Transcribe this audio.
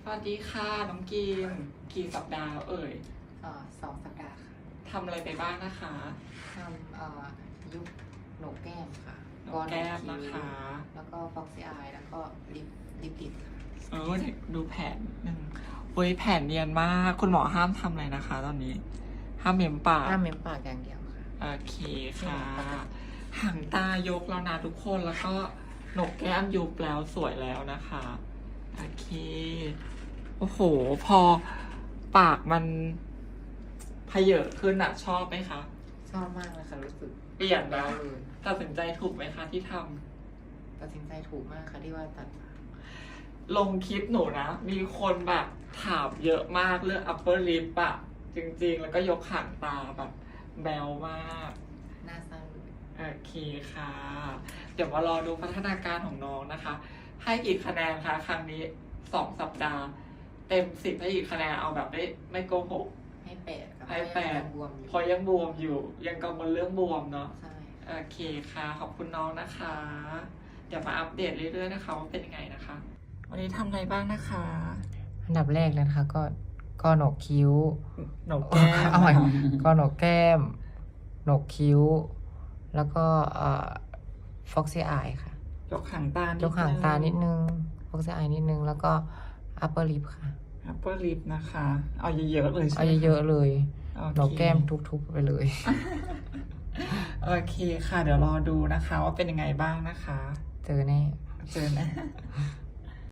วัสดีค่ะน้องกีนกี่สัปดาห์เอ่ย 2 สัปดาห์ค่ะทำอะไรไปบ้างนะคะทำยุบโหนกแก้มค่ะโหนกแก้มนะคะแล้วก็ฟ็อกซี่อายแล้วก็ลิปติดค่ะดูแผนหนึ่งเว้ยแผนเนียนมากคุณหมอห้ามทำอะไรนะคะ ตอนนี้ ห้ามเม้มปากห้ามเม้มปากอย่างเดียวค่ะโอเคค่ะหางตายกแล้วนะทุกคนแล้วก็โหนกแก้มยุบแล้วสวยแล้วนะคะโอเคโอ้โหพอปากมันเพเยอะขึ้นอะชอบไหมคะชอบมากเลยค่ะรู้สึกเปลี่ยนแล้แล้ว วเลยตัดสินใจถูกไหมคะที่ทำตัดสินใจถูกมากค่ะที่ว่าตัดลงคลิปหนูนะ มีคนแบบถามเยอะมากเรื่อง upper lip อะจริงๆ แล้วก็ยกหางตาแบบแบวมากหน้าสั้นโอเคค่ะ เดี๋ยวมารอดูพัฒนาการของน้องนะคะ ให้กี่คะแนนคะครั้งนี้2 สัปดาห์ เต็ม10ให้กี่คะแนนเอาแบบไม่โกหกให้8ค่ะให้8 บวมอยู่เพราะยังบวมอยู่ ยังกังวลเรื่องบวมเนาะใช่โอเคค่ะ ขอบคุณน้องนะคะ เดี๋ยวมาอัปเดตเรื่อยๆนะคะว่าเป็นยังไงนะคะ วันนี้ทำอะไรบ้างนะคะอันดับแรกเลยนะคะก็โหนกคิ้วโหนกแก้มเอาใหม่ก็โหนกแก้มโหนกคิ้ว แล้วก็ฟ็อกซี่อายค่ะยกหางตานิดยกหางตานิดนึงฟ็อกซี่อายนิดนึงแล้วก็อัปเปอร์ลิปค่ะ upper lip นะคะ เอาเยอะๆเลยใช่ไหมเอาเยอะๆเลยโอเคโหนกแก้มทุบๆไปเลยโอเคค่ะ เดี๋ยวรอดูนะคะว่าเป็นยังไงบ้างนะคะเจอแน่เจอนะ